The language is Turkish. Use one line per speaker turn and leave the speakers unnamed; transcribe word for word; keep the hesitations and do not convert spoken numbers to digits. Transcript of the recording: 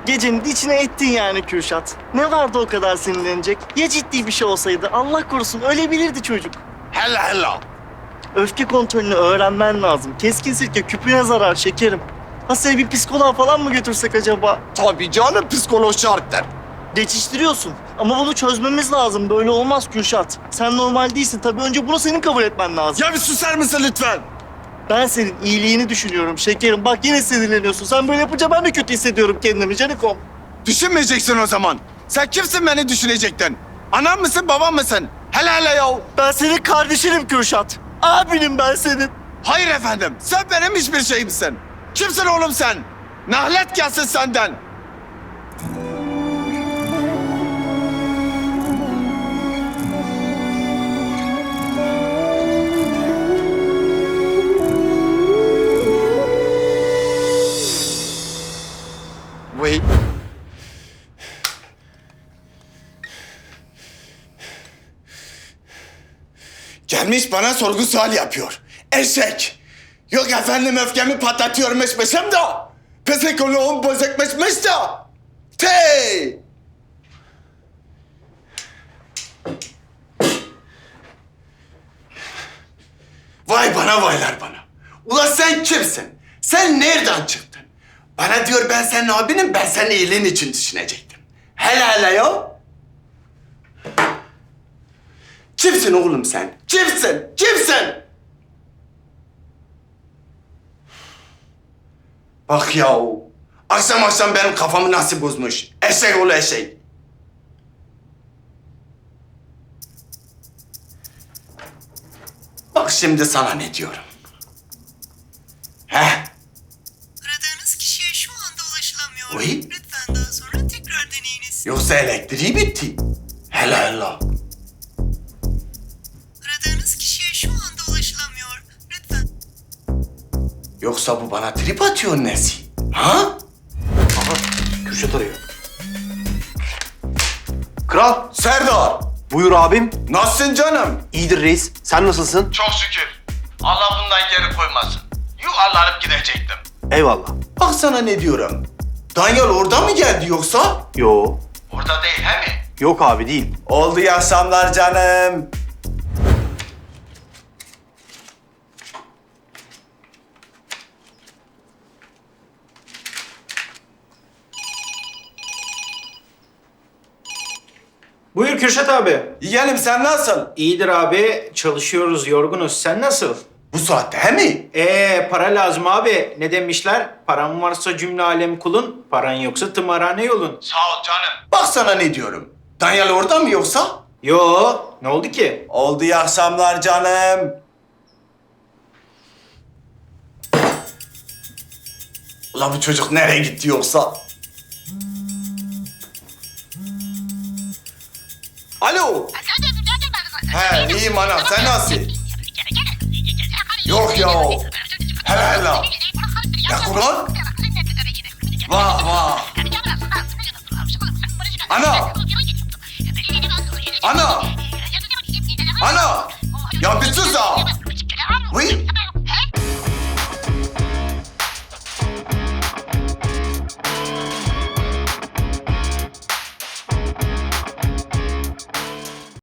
Gecenin içine ettin yani Kürşat. Ne vardı o kadar sinirlenecek? Ya ciddi bir şey olsaydı? Allah korusun ölebilirdi çocuk.
Hella hella.
Öfke kontrolünü öğrenmen lazım. Keskin sirke küpüne zarar şekerim. Ha seni bir psikoloğa falan mı götürsek acaba?
Tabii canım psikolog şarttır.
Geçiştiriyorsun. Ama bunu çözmemiz lazım. Böyle olmaz Kürşat. Sen normal değilsin. Tabii önce bunu senin kabul etmen lazım.
Ya bir susar mısın lütfen?
Ben senin iyiliğini düşünüyorum şekerim. Bak yine sinirleniyorsun. Sen böyle yapınca ben de kötü hissediyorum kendimi Canikom.
Düşünmeyeceksin o zaman. Sen kimsin beni düşünecektin? Anam mısın babam mısın? Hele hele ya.
Ben senin kardeşinim Kürşat. Abinim ben senin.
Hayır efendim. Sen benim hiçbir şeyimsin. Kimsin oğlum sen? Nahlet gelsin senden. Wait. Gelmiş bana sorgu sual yapıyor. Eşek. Yok efendim öfkemi patlatıyormuşmuşum da. Psikoloğum bozukmuşmuş da. Tey. Vay bana vaylar bana. Ula sen kimsin? Sen nereden çıktın? Bana diyor ben senin abinim, ben senin iyiliğin için düşünecektim. Hele hele ya. Kimsin oğlum sen? Kimsin? Kimsin? Bak ya, akşam akşam benim kafamı nasıl bozmuş. Eşek oğlu eşek. Bak şimdi sana ne diyorum. Heh.
Aradığınız kişiye şu anda ulaşılamıyor.
Oy.
Lütfen daha sonra tekrar deneyiniz.
Yoksa elektriği bitti. Hele hele.
Aradığınız kişiye şu anda ulaşılamıyor. Lütfen.
Yoksa bu bana trip atıyor nesi? Ha?
Kürşat arıyor. Kral,
Serdar.
buyur abim.
Nasılsın canım?
İyidir reis. Sen nasılsın?
Çok şükür. Allah bundan geri koymasın. Yuvarlanıp gidecektim.
Eyvallah.
Bak sana ne diyorum. Daniel orada mı geldi yoksa?
Yo,
Orada değil he mi?
yok abi değil.
Oldu ya akşamlar canım.
Buyur Kürşat abi.
Yeğenim sen nasıl?
İyidir abi. Çalışıyoruz, yorgunuz. Sen nasıl?
Bu saatte he mi?
Ee, para lazım abi. Ne demişler? Paran varsa cümle alem kulun, paran yoksa tımarhane yolun.
Sağ ol canım. Bak sana ne diyorum. Daniel orada mı yoksa?
Yo, ne oldu ki?
Oldu ya akşamlar canım. Ulan bu çocuk nereye gitti yoksa? Alo. He iyiyim ana sen nasılsın? Yok ya. Hele hele. Ya Kur'an? Vah vah. Ana. Ana. Ana. Ya bir sus ha. Vıy.